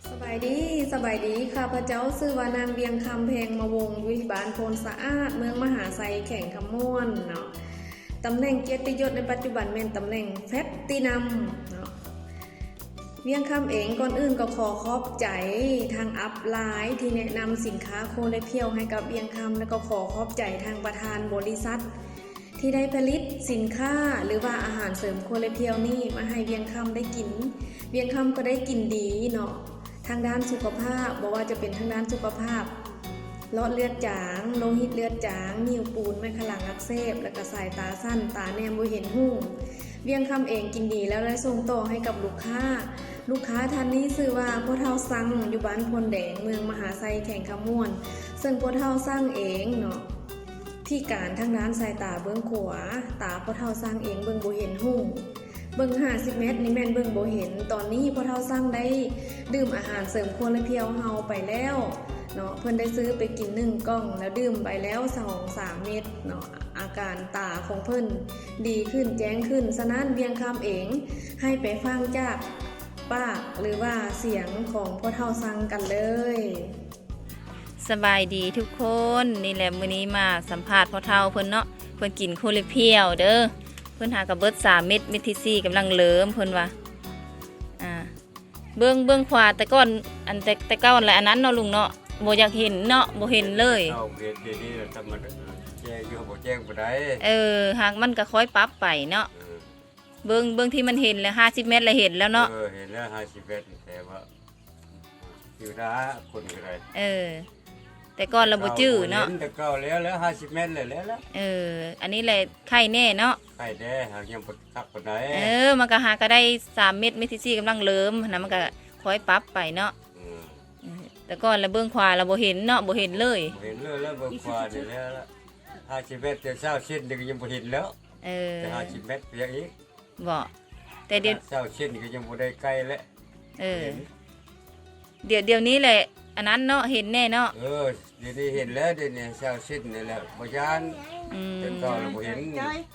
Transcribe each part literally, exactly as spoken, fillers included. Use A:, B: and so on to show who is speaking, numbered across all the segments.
A: สบายดีสบายดีข้าพเจ้าชื่อว่านางเวียงคำแพงมาวงวิบาลโพนสะอาดเมืองมหาไซแข่งขมวนเนาะตำแหน่งเกียรติยศในปัจจุบันเป็นตำแหน่งแพทตินัมเนาะเวียงคำเองก่อนอื่นก็ขอขอบใจทางอัพไลน์ที่แนะนำสินค้าโคเลเพียวให้กับเวียงคำและก็ขอขอบใจทางประธานบริษัทที่ได้ผลิตสินค้าหรือว่าอาหารเสริมโคเลเพียวนี่มาให้เวียงคำได้กินเวียงคำก็ได้กินดีเนาะทางด้านสุขภาพบอกว่าจะเป็นทางด้านสุขภาพหลอดเลือดจางโลหิตเลือดจางนิ่วปูนไม่ขลังอักเสบและก็สายตาสั้นตาแนมบ่เห็นหุ่งเวียงคำเองกินดีแล้วได้ส่งต่อให้กับลูกค้าลูกค้าท่านนี้ชื่อว่าพ่อเฒ่าซังอยู่บ้านพลแดงเมืองมหาไซแข่งขมวนซึ่งพ่อเฒ่าซังเองเนาะที่การทางด้านสายตาเบื้องขวาตาพ่อเฒ่าซังเองเบิ่งบ่เห็นหุ่งเบิ่งห้าสิบเมตรนี่แม่นเบิ่งบ่เห็นตอนนี้พ่อเฒ่าซังได้ดื่มอาหารเสริมโคเลเพียวเฮาไปแล้วเนาะเพิ่นได้ซื้อไปกินหนึ่งกล่องแล้วดื่มไปแล้ว สองถึงสาม เม็ดเนาะอาการตาของเพิ่นดีขึ้นแจ้งขึ้นฉะนั้นเวียงคำเองให้ไปฟังจากปากหรือว่าเสียงของพ่อเฒ่าซังกันเลย
B: สบายดีทุกคนนี่แหละมื้อนี้มาสัมภาษณ์พ่อเฒ่าเพิ่นเนาะเพิ่นกินโคเลเพียวเด้อเพิ่นหากระเบิดสามเม็ดเม็ดที่สี่กำลังเริ่มเพิ่นว่าอ่าเบื้องเบื้องขวาแต่ก่อนอันแต่แต่เก่าอันแหละอันนั้นเนาะลุงเนาะบ่อยากเห็นเนาะบ่เห็นเลย
C: เอาเรียนดีนี่ทำมันแจ้งอยู่บ่แจ้งบ่ได้
B: เออหากมันก็ค่อยปรับไปเนาะเบื้องเบื้องที่มันเห็นแล้วห้าสิบเมตรแล้วเห็นแล้วเนาะ
C: เออเห็นแล้วห้าสิบเมตรแต่ว่าอยู่นะคนก็ได้
B: เออแต่ก่อนเราบ่จื้อเนาะ
C: แต่เก่าแล้วแล้วห้าสิบเมตรเลยแล้ว
B: เอออันนี้แหละไข่แน่เนาะ
C: ไข่แน่หากยังบ่คักปานใด
B: เออมันก็หาก็ได้สามเม็ดเม็ดที่สี่กำลังเริ่มนะมันก็ค่อยปรับไปเนาะแต่ก่อนเราเบื้องขวาเราบ่เห็นเนาะบ่เห็นเลย
C: บ่เห็นเลยแล้วเบื้องขวานี่แล้วห้าสิบเมตรแต่เช้าเส้นนึงยังบ่เห็นแล้ว
B: เออ
C: แต่ห้าสิบเมตรเพียงอีก
B: บ่แต่เดี๋ยว
C: เช้าเส้นก็ยังบ่ได้ใกล้แล้ว
B: เออเดี๋ยวเดี๋ยวนี้แหละอันนั้นเนาะเห็นแน่เนาะ
C: เออเดี๋ยวนี้เห็นแล้วเดี๋ยวนี้เช้าเส้นนี่แหละบ่ยาน
B: อืม
C: แต่ก่อนเราบ่เห็น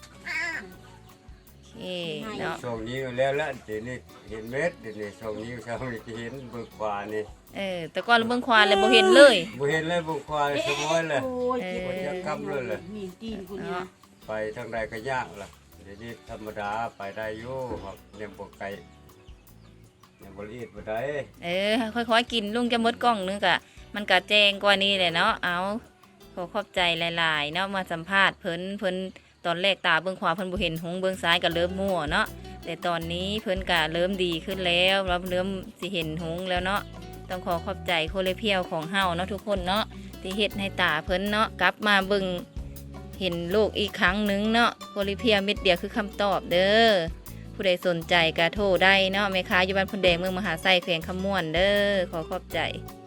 B: โอเคเนาะ
C: ช่วงนี้แล้วละเดี๋ยวนี้เห็นเม็ดเดี๋ยวนี้ช่วงนี้เช้านี้เห็นเบื้องขวานี่
B: เออแต่ก่อนเราเบื้องขวาเลยบ่เห็นเลย
C: บ่เห็นเลยเบื้องขวาสมอยเลย
B: เออ
C: บ่จะกำเลยเลยไปทางใดก็ยากล่ะเดี๋ยวนี้ธรรมดาไปได้อยู่ครับเนี่ยบ่ไกลเนี่ยบ่ละเอียดบ่ได้
B: เออค่อยๆกินลุงจะหมดกล่องนึงก็มันก็แจ้งกว่านี้แหละเนาะเอาขอขอบใจหลายๆเนาะมาสัมภาษณ์เพิ่นเพิ่นตอนแรกตาเบื้องขวาเพิ่นบ่เห็นหงเบื้องซ้ายก็เริ่มมั่วเนาะแต่ตอนนี้เพิ่นก็เริ่มดีขึ้นแล้วเราเริ่มสิเห็นหงแล้วเนาะต้องขอขอบใจโคเลเพียวของเฮาเนาะทุกคนเนาะที่เฮ็ดให้ตาเพิ่นเนาะกลับมาเบิ่งเห็นโลกอีกครั้งนึงเนาะโคเลเพียวเม็ดเดียวคือคำตอบเด้อผู้ใดสนใจก็โทรได้เนาะแม่ค้าอยู่บ้านพลแดงเมืองมหาไซแขวงขมวนเด้อขอขอบใจ